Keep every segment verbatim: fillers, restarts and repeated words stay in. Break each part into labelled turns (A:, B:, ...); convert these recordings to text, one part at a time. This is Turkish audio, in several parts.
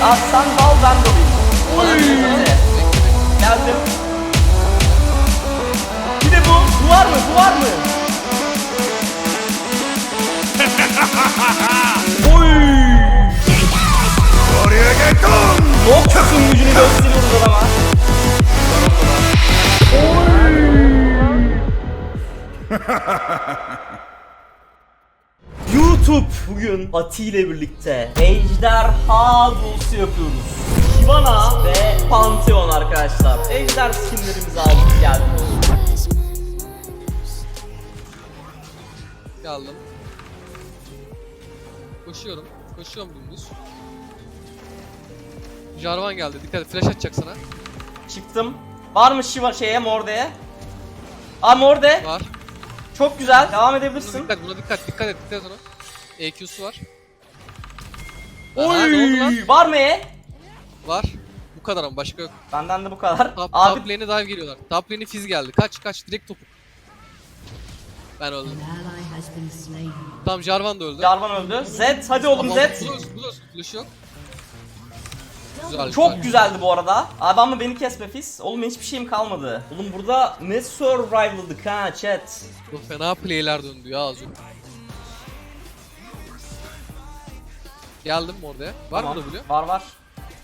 A: Abi sen dal ben dalayım. Oy. Geldim. Bir de bu. Bu var mı? Bu var mı? Oy.
B: Oraya geldin.
A: Noxus'un gücünü gösteriyoruz adama. YouTube bugün Ati ile birlikte Ejderha Duosu yapıyoruz. Shyvana ve Pantheon arkadaşlar. Ejder skinlerimizi aldık geldik.
C: Geldim. Koşuyorum. Koşuyorum dümdüz. Jarvan geldi. Dikkat et. Flash atacak sana.
A: Çıktım. Var mı Shyvana şeye Morde'ye? Aa Morde.
C: Var.
A: Çok güzel. Devam
C: Buna
A: edebilirsin.
C: dikkat. Buna dikkat. Dikkat et. Dikkat et ona. E Q'su var. Aha, ne oldu lan?
A: Oy! Var mı E?
C: Var. Bu kadar ama başka yok.
A: Benden de bu kadar.
C: Top,
A: Abi
C: top lane'e dive geliyorlar. Top lane'e Fizz geldi. Kaç kaç. Direkt topu. Ben öldüm. Tamam Jarvan da öldü.
A: Jarvan öldü. Zed hadi oğlum
C: Tamam,
A: Zed.
C: Buluruz. Buluruz. Flash yok. Güzel.
A: Çok
C: güzel.
A: güzeldi bu arada. Abi ama beni kesme Fizz. Oğlum hiçbir şeyim kalmadı. Oğlum burada ne survival'dık ha chat.
C: Bu fena play'ler döndü ya az önce. Geldim orada. Var
A: Tamam.
C: mı da biliyor?
A: Var var.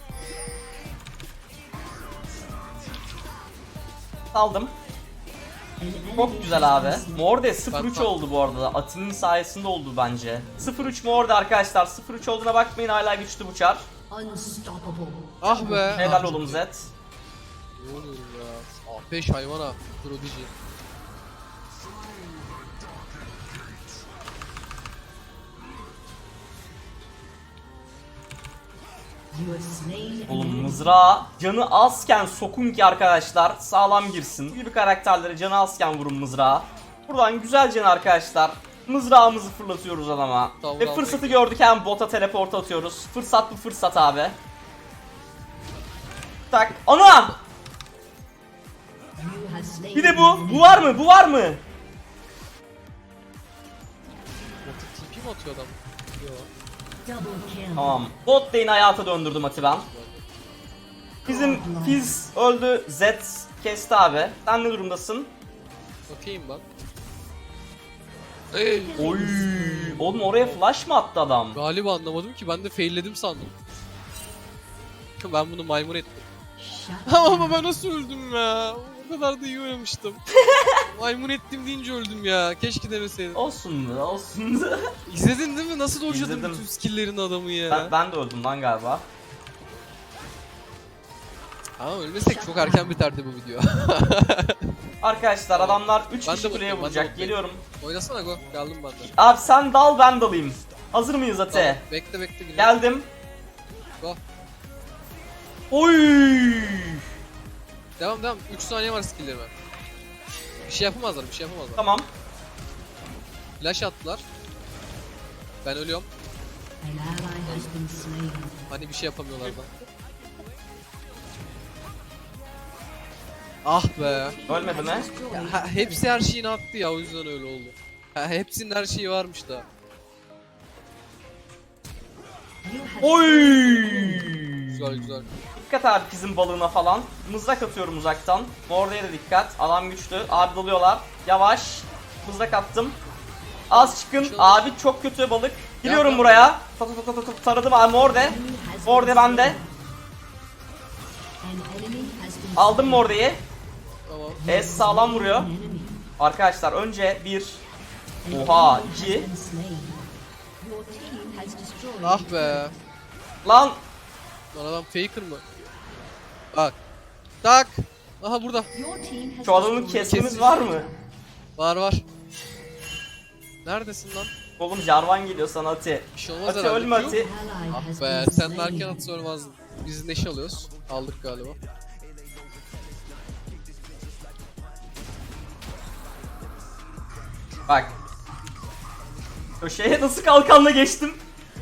A: Aldım. Çok güzel abi. Morde sıfır üç
C: Bak, bak.
A: oldu bu arada. Ati'nin sayesinde oldu bence. sıfır üç Morde arkadaşlar. sıfır üç olduğuna bakmayın, hala güçlü bu çar.
C: Ah be.
A: Helal
C: Ah,
A: oğlum
C: çok
A: Zed.
C: iyi. Ne oluyor ya? Ah beş hayvana. Prodigy.
A: Oğlum mızrağı canı azken sokun ki arkadaşlar sağlam girsin. Bu gibi karakterlere canı azken vurun mızrağı. Buradan güzelce arkadaşlar mızrağımızı fırlatıyoruz adama.
C: Tavır
A: Ve
C: aldık.
A: fırsatı gördük, hem bota teleport atıyoruz. Fırsat bu fırsat abi. Tak. Ana! Bir de bu. Bu var mı? Bu var mı?
C: Botu T P mi atıyor adam? Yok.
A: Tamam. Bot lane hayata döndürdüm Ati ben. Bizim Fizz öldü. Zed kesti abi. Sen ne durumdasın?
C: Bakayım ben. Ey.
A: Oy! Oğlum oraya flash mı attı adam?
C: Galiba anlamadım ki, ben de failledim sandım. Ben bunu maymun ettim. Ama ben nasıl öldüm ya? O kadar da iyi oynamıştım. Maymun ettim deyince öldüm ya. Keşke demeseydim.
A: Olsun olsun.
C: İzledin değil mi? Nasıl dojladım
A: İzledim.
C: bütün skill'lerin adamı ya?
A: ben, ben de öldüm lan galiba.
C: Ama ölmesek çok erken biterdi bu video.
A: Arkadaşlar adamlar üç
C: Ben de
A: kişi kuleye
C: bakıyorum, ben de
A: vuracak.
C: bakıyorum.
A: Geliyorum.
C: Oynasana go. Geldim ben de.
A: Abi sen dal ben dalayım. Hazır mıyız Ate?
C: Tamam, bekle bekle. Geliyorum.
A: Geldim.
C: Go.
A: Oy!
C: Devam devam. üç saniye var skill'lerime. Bir şey yapamazlar, bir şey yapamazlar.
A: Tamam.
C: Flash attılar. Ben ölüyorum. Hani bir şey yapamıyorlar da. Ah be.
A: Ölmedi mi?
C: Ha, hepsi her şeyini attı ya, o yüzden öyle oldu. Ha, hepsinin her şeyi varmış da.
A: Oy!
C: Güzel güzel.
A: Dikkat abi bizim balığına falan. Mızrak atıyorum uzaktan. Morde'ye de dikkat. Adam güçlü. Abi dalıyorlar. Yavaş. Mızrak attım. Az çıkın. Abi çok kötü balık. Geliyorum
C: Yap,
A: buraya. Ta ta ta ta ta taradım abi Morde. Morde bende. Aldım Morde'yi.
C: Tamam.
A: Es sağlam vuruyor. Arkadaşlar önce bir. Oha iki.
C: Ah be.
A: Lan
C: Lan adam faker mı? Bak. Tak. Aha burada.
A: şu adamın kesmemiz var mı?
C: Var var. Neredesin lan?
A: Oğlum Jarvan geliyor sana Ati.
C: Bir şey olmaz
A: Ati
C: herhalde.
A: ölme
C: Yok.
A: Ati.
C: Ah be, sen derken atsa ölmezdin. Biz neşe alıyoruz. Aldık galiba.
A: Bak. Köşeye nasıl kalkanla geçtim?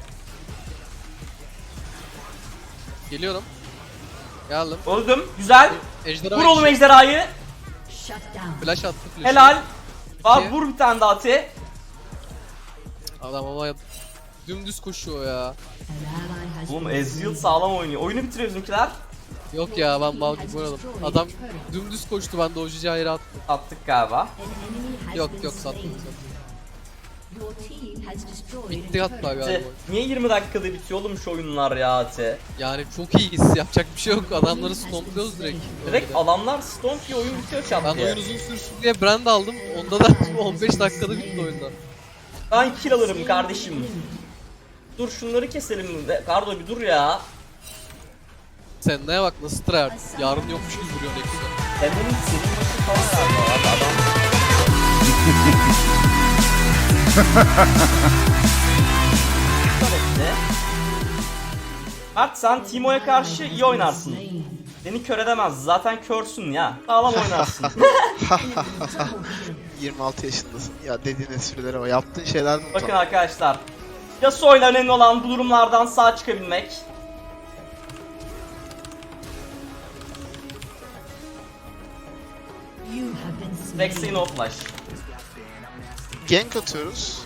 C: Geliyorum. Geldim.
A: Öldüm. Güzel.
C: Ejderha
A: Vur oğlum
C: işi.
A: ejderhayı.
C: Flash attı flash.
A: Helal. Var
C: İki.
A: vur bir tane daha Ati.
C: Adam ama dümdüz koşuyor ya.
A: Oğlum Ezreal sağlam oynuyor. Oyunu bitiriyor bizimkiler.
C: Yok ya ben mal gibi oynadım. Adam dümdüz koştu, ben de o cici ayrı attım.
A: Attık galiba.
C: Yok yok sattım sattım. Bitti hatta galiba.
A: Ate, niye yirmi dakikada bitiyor oğlum şu oyunlar ya Ate?
C: Yani çok iyiyiz, yapacak bir şey yok. Adamları stompluyoruz direkt.
A: Direkt
C: Öyle.
A: adamlar stomp diye oyun bitiyor çat
C: Ben
A: diye.
C: oyun uzun sürsün diye brand aldım. Onda da on beş dakikada bitti oyunda.
A: Ben kill alırım kardeşim. Dur şunları keselim. Be- Kardo bir dur ya.
C: Sen neye bak nasıl tryhard. Yarın yokmuş gibi vuruyor Nexus'a.
A: Senin senin maçın falan galiba abi adam. Ne? Mert sen Timo'ya karşı iyi oynarsın. Seni kör edemez. Zaten körsün ya. Sağlam oynarsın.
B: yirmi altı yaşındasın. Ya dediğin esprileri o. Yaptığın şeyler mi
A: Bakın
B: utan?
A: arkadaşlar. Yasuo'yla önemli olan bu durumlardan sağ çıkabilmek. Vex'e no flash.
B: Gank atıyoruz.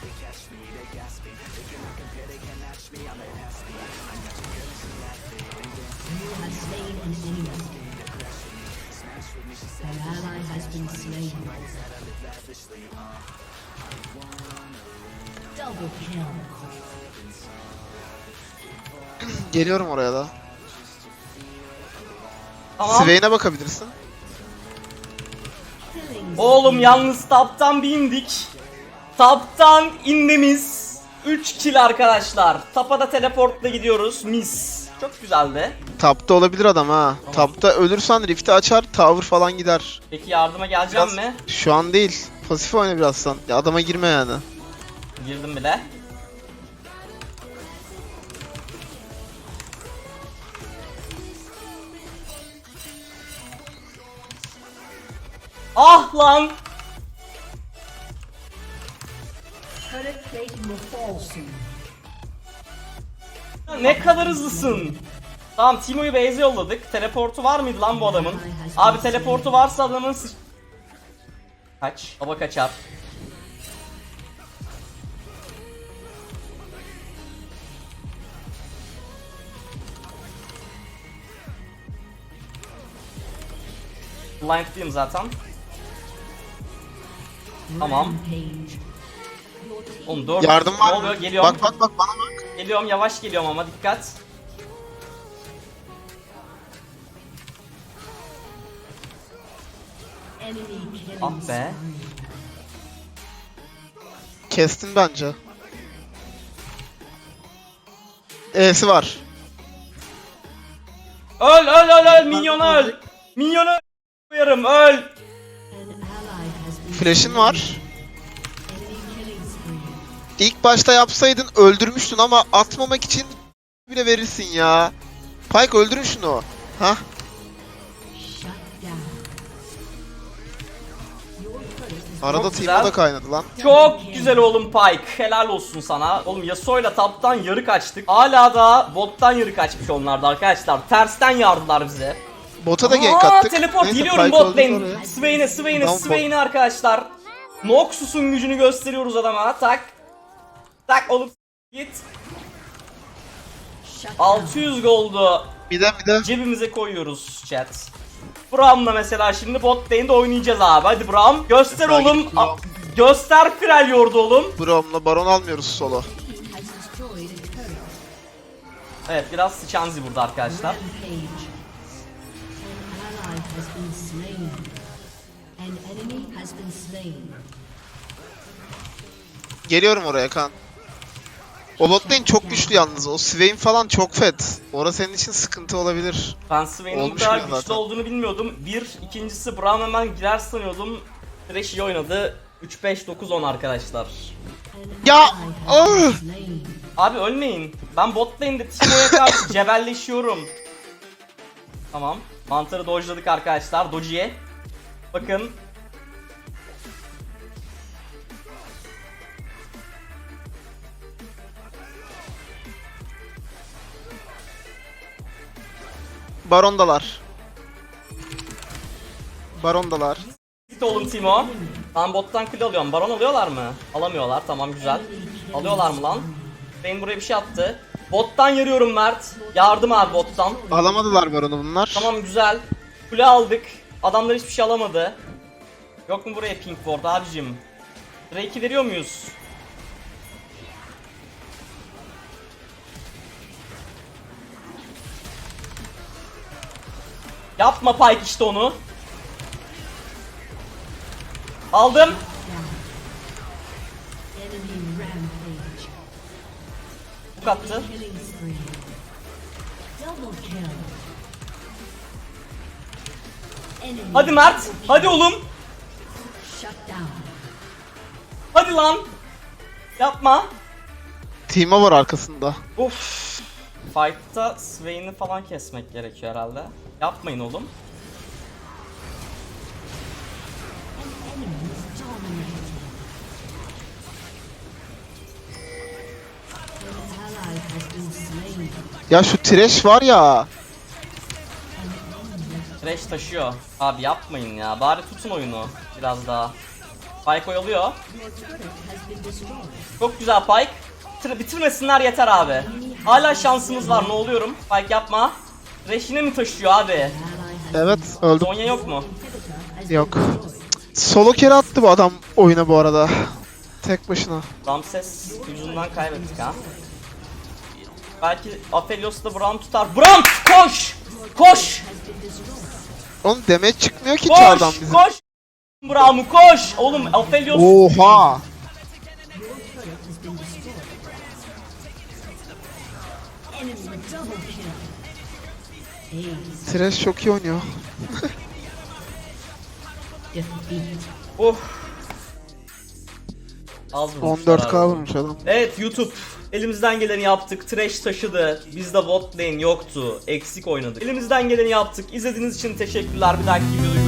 B: Geliyorum oraya da.
A: Tamam.
B: Swain'e bakabilirsin.
A: Oğlum yalnız taptan bir indik. Taptan inmemiz. üç kill arkadaşlar. Tapa da teleportla gidiyoruz. Mis. Çok güzeldi.
B: Tapta olabilir adam ha. Tapta ölürsen Rift'i açar, tower falan gider.
A: Peki yardıma geleceğim
B: Biraz-
A: mi?
B: Şu an değil. Pasif oyna biraz sen. Ya adama girme yani.
A: Girdim bile. Ah lan! Ya ne kadar hızlısın. Tamam Timo'yu base'e yolladık. Teleportu var mıydı lan bu adamın? Abi teleportu varsa adamın sı- Kaç. Baba kaçar. Blind'liyim zaten. Tamam. Oğlum dört.
B: Yardım
A: Ne
B: var
A: oluyor?
B: mı?
A: Geliyorum.
B: Bak bak bak bana bak.
A: Geliyorum yavaş geliyorum ama dikkat. Ah be.
B: Kestin bence. E'si var.
A: Öl öl öl öl minyon öl. Minyonu koyarım öl.
B: Flash'in var. İlk başta yapsaydın öldürmüştün ama atmamak için bile verirsin ya. Pyke öldürün şunu. Hah. Arada
A: Çok
B: Timo
A: güzel.
B: da kaynadı lan.
A: Çok güzel oğlum Pyke. Helal olsun sana. Oğlum Yasuo'yla taptan yarı kaçtık. Hala da bottan yarı kaçmış onlardı arkadaşlar. Tersten yardılar bize.
B: Bota da gank
A: Aa,
B: attık.
A: teleport
B: Neyse,
A: geliyorum
B: Pyke
A: bot
B: öldü
A: lane.
B: oraya.
A: Swain'e Swain'e
B: Tamam,
A: Swain'e arkadaşlar. Noxus'un gücünü gösteriyoruz adama. Tak. Tak oğlum git. altı yüz gold'u
B: Bir de bir de.
A: cebimize koyuyoruz chat. Braum'la mesela şimdi bot lane'de oynayacağız abi. Hadi Braum. Göster
B: Mesela
A: oğlum.
B: gidip Braum.
A: A- göster Freljord oğlum.
B: Brom'la Baron almıyoruz solo.
A: Evet biraz sıçanzi burada arkadaşlar.
B: Geliyorum oraya kan. O bot lane çok güçlü yalnız. O Swain falan çok fet. Orası senin için sıkıntı olabilir.
A: Ben Swain'in bu
B: Olmuş
A: kadar
B: ya
A: güçlü
B: zaten.
A: olduğunu bilmiyordum. Bir, ikincisi Braum hemen girer sanıyordum. Thresh iyi oynadı. üç beş dokuz on arkadaşlar.
B: Ya! Ah!
A: Abi ölmeyin. Ben bot lane'de Timo'ya karşı cebelleşiyorum. Tamam. Mantarı dodge'ladık arkadaşlar. Doji'ye. Bakın.
B: Barondalar. Barondalar.
A: Git oğlum Timo. Ben bottan kill alıyorum. Baron alıyorlar mı? Alamıyorlar. Tamam güzel. Alıyorlar mı lan? Bane buraya bir şey attı. Bottan yarıyorum Mert. Yardım abi bottan.
B: Alamadılar baronu bunlar.
A: Tamam güzel. Kule aldık. Adamlar hiçbir şey alamadı. Yok mu buraya pink ward abicim? Drake'i veriyor muyuz? Yapma Pyke işte onu. Aldım.
D: Enemy rampage.
A: Bu attı.
D: Killing spree. Double kill. Enemy
A: Hadi Mert. Hadi oğlum.
D: shut down.
A: Hadi lan. Yapma.
B: Team'a var arkasında.
A: Uf. Fight'ta Swain'i falan kesmek gerekiyor herhalde. Yapmayın oğlum.
D: An enemy is dominated. An ally has been slain.
B: Ya şu Thresh var ya.
A: Thresh taşıyor. Abi yapmayın ya. Bari tutun oyunu biraz daha. Pyke oyalıyor.
D: Your turret has been destroyed.
A: Çok güzel Pyke. Bitir- bitirmesinler yeter abi. Hala şansımız var, ne oluyorum? Pyke yapma. Thresh yine mi taşıyor abi?
D: Ally has
B: Evet öldüm.
A: Zonya yok mu?
D: inhibitor has
B: Yok.
D: been destroyed.
B: Solo kere attı bu adam oyuna bu arada. Tek başına.
A: Ramses yüzünden kaybettik ha. Belki Aphelios da Braum tutar. Braum koş! Koş!
D: Has been destroyed.
B: Oğlum damage çıkmıyor ki çardan
A: Koş!
B: bizim.
A: Koş! Braum'u koş! Oğlum Aphelios
B: Oha!
D: Your turret has been destroyed. Enemy double kill. Ace.
B: Thresh çok iyi oynuyor.
D: Defeat.
A: Of. Az vurmuşlar
B: on dört K
A: abi.
B: vurmuş adam.
A: Evet YouTube. Elimizden geleni yaptık. Thresh taşıdı. Bizde bot lane yoktu. Eksik oynadık. Elimizden geleni yaptık. İzlediğiniz için teşekkürler. Bir dahaki videoda